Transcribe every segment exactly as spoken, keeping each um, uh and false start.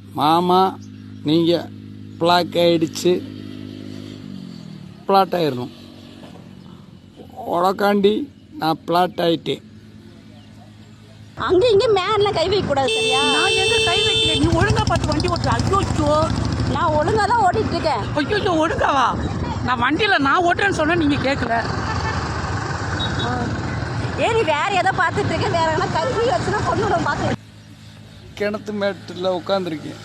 மாமா நீங்கள் பிளாக் ஆகிடுச்சு, பிளாட் ஆயிடணும். உனக்காண்டி நான் பிளாட் ஆகிட்டேன். அங்கே இங்கே மேலாம் கை வைக்கக்கூடாது சரியா? நான் எங்க கை வைக்கல, நீ ஒழுங்கா பார்த்து வண்டி ஓட்டுற. ஐயோ நான் ஒழுங்காக தான் ஓட்டிகிட்டு இருக்கேன். ஐயோ ஒழுங்காவா? நான் வண்டியில் நான் ஓட்டுறேன்னு சொன்னேன், நீங்கள் கேட்கல. ஏன் நீ வேறு எதை பார்த்துட்டு இருக்கேன்? வேறு எதனா கை வச்சுன்னா பொண்ணு பார்த்து கிணத்து மேட்டில் உட்காந்துருக்கேன்,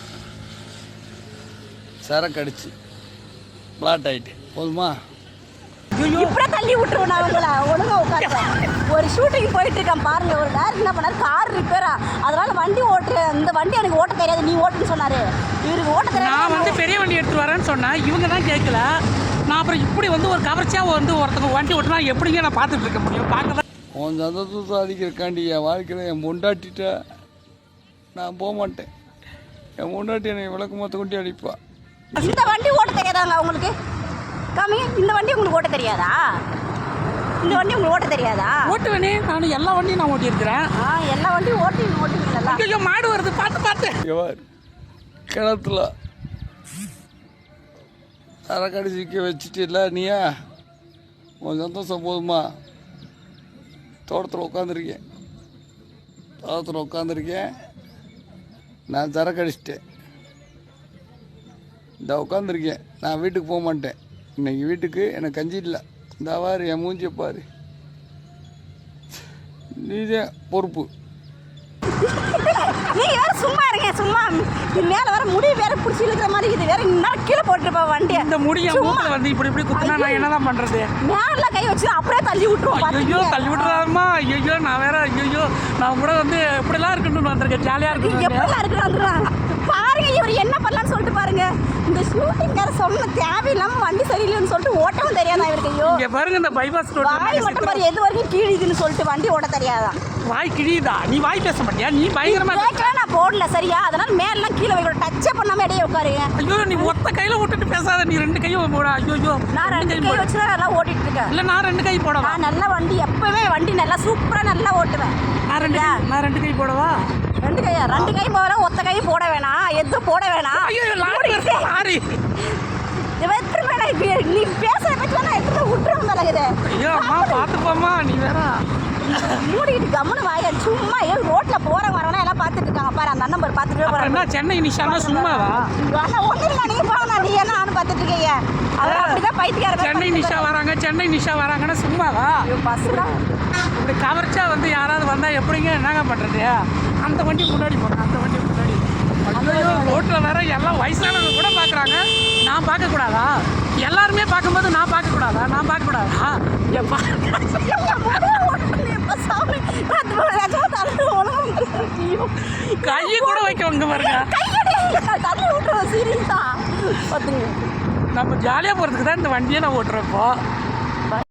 சரக்கு அடிச்சு பிளாட் ஆகிட்டேன். போதுமா? இப்படியே தள்ளி விட்டுருவோம். நான் உங்களை ஒழுங்காக உட்காந்துட்டேன். ஒரு ஷூட்டிங் போயிட்டு இருக்கேன் பாருங்க. ஒரு நேரம் என்ன பண்ணாரு, கார் ரிப்பேரா, அதனால வண்டி ஓட்டு, இந்த வண்டி எனக்கு ஓட்ட தெரியாது, நீ ஓட்டுன்னு சொன்னாரு. இவருக்கு ஓட்ட தெரியாது. நான் வந்து பெரிய வண்டி எடுத்து வரேன்னு சொன்னேன், இவங்க தான் கேட்கல. நான் அப்புறம் இப்படி வந்து ஒரு கவர்ச்சியாக வந்து ஒருத்தங்க வண்டி ஓட்டுனா எப்படிங்க நான் பார்த்துட்டு இருக்க முடியும்? பார்க்க தான் உன் சந்தோஷத்தை அடிக்கிறக்காண்டி என் வாழ்க்கையில் என் பொண்டாட்டிட்ட நான் போக மாட்டேன். என் பொண்டாட்டி என்னை விளக்கு மொத்த கொண்டு அடிப்பா. இந்த வண்டி ஓட்ட தெரியாதாங்க உங்களுக்கு? காமி, இந்த வண்டி உங்களுக்கு ஓட்ட தெரியாதா? இந்த வண்டி உங்களுக்கு ஓட்ட தெரியாதா? ஓட்டுவேனே, நான் எல்லா வண்டியும் நான் ஓட்டியிருக்கிறேன். ஆ, எல்லா வண்டியும் ஓட்டி ஓட்டுவீங்களா? ஐயோ மாடு வருது, பார்த்து பார்த்து. கிணத்துல சரக்கடி சிக்க வச்சுட்டு இல்லை நீயா? உன் சந்தோஷம் போதுமா? தோட்டத்தில் உட்காந்துருக்கேன், தோட்டத்தில் உட்காந்துருக்கேன். நான் சரக்கு அடிச்சிட்டேன், இந்த உட்காந்துருக்கேன். நான் வீட்டுக்கு போக மாட்டேன். இன்னைக்கு வீட்டுக்கு எனக்கு கஞ்சி இல்லை. இந்த வாரு என் மூஞ்சியை பாரு, நீதான் பொறுப்பு. நீங்க வேற சும்மா இருங்க, சும்மா மேல வர முடி வேற புடிச்சு இழுக்கிற மாதிரி இது வேற இன்னும் கீழே போட்டுருப்பா வண்டி. இந்த முடிய மூக்குல வந்து இப்படி இப்படி குத்துனா நான் என்னதான் பண்றது? மேல கை வச்சு அப்படியே தள்ளி விட்டுருவோம். ஐயோ தள்ளி விட்டுறாருமா. ஐயோ நான் வேற ஐயோ நான் கூட வந்து இப்படிலாம் இருக்கணும்னு வந்திருக்கேன், ஜாலியா இருக்கணும். எப்படிலாம் இருக்கணும் பாருங்க. இவர் என்ன பண்ணலாம்னு சொல்லிட்டு பாருங்க. இந்த ஷூட்டிங்கார சொன்ன தேவையில்லாம வண்டி சரியில்லைன்னு சொல்லிட்டு ஓட்டவும் தெரியாதா இவருக்கு? ஐயோ இங்க பாருங்க, இந்த பைபாஸ் ரோட் வாய் மட்டும் பாரு, எது வரைக்கும் கீழிதுன்னு சொல்லிட்டு வண்டி ஓட்ட தெரியாதா? வாய் கிழியுதா? நீ வாய் பேச மாட்டியா? நீ பயங்கரமா கேட்கல, நான் போடல சரியா? அதனால மேலாம் கீழே வைக்கிற டச்சே பண்ணாம இடையே உட்காருங்க. ஐயோ நீ ஒத்த கையில விட்டுட்டு பேசாத, நீ ரெண்டு கையும் போட. ஐயோ நான் ரெண்டு கை வச்சு தான் நல்லா ஓட்டிட்டு இருக்கேன். இல்ல நான் ரெண்டு கை போடவா? நான் நல்லா வண்டி எப்பவுமே வண்டி நல்லா சூப்பரா நல்லா ஓட்டுவேன். நான் ரெண்டு நான் ரெண்டு கை போடவா? ரெண்டு கையா? ரெண்டு கை போட, ஒத்த கை போட வேணாம், எதுவும் போட வேணாம். ஐயோ லாரி லாரி நீ பேசுற பேச்சு வேணா எடுத்து விட்டுருவோம் தலைகுது. ஐயோ அம்மா பாத்துப்போம்மா, நீ வேற மூடிக்கிட்டு கம்முன்னு வாய. சும்மா ஏன் ரோட்ல போற வரவனா எல்லாம் பாத்துட்டு இருக்காங்க பாரு. அந்த நம்பர் பாத்துட்டு போறாங்க. என்ன சென்னை நிஷானா சும்மாவா? ஒண்ணு இல்ல, நீங்க போங்க, நீ என்ன நானும் பாத்துட்டு இருக்கீங்க. அவர் அப்படிதான் பைத்தியக்கார. சென்னை நிஷா வராங்க, சென்னை நிஷா வராங்கன்னா சும்மாவா? பஸ்லாம் இப்படி கவர்ச்சா வந்து யாராவது வந்தா எப்படிங்க என்னங்க பண்றது? அந்த வண்டி முன்னாடி போங்க, அந்த வண்டி முன்னாடி. ஐயோ ரோட்ல வேற எல்லாம் வயசானவங்க கூட பாக்குறாங்க, நான் பார்க்க கூடாதா? எல்லாருமே பார்க்கும்போது நான் பார்க்க கூடாதா? நான் பார்க்க கூடாதா? கையை கூட வைக்கவங்க பாருங்க. தள்ளி விட்டுருவோம் சீரியஸா. நம்ம ஜாலியாக போகிறதுக்கு தான் இந்த வண்டியை நான் ஓட்டுறப்போ.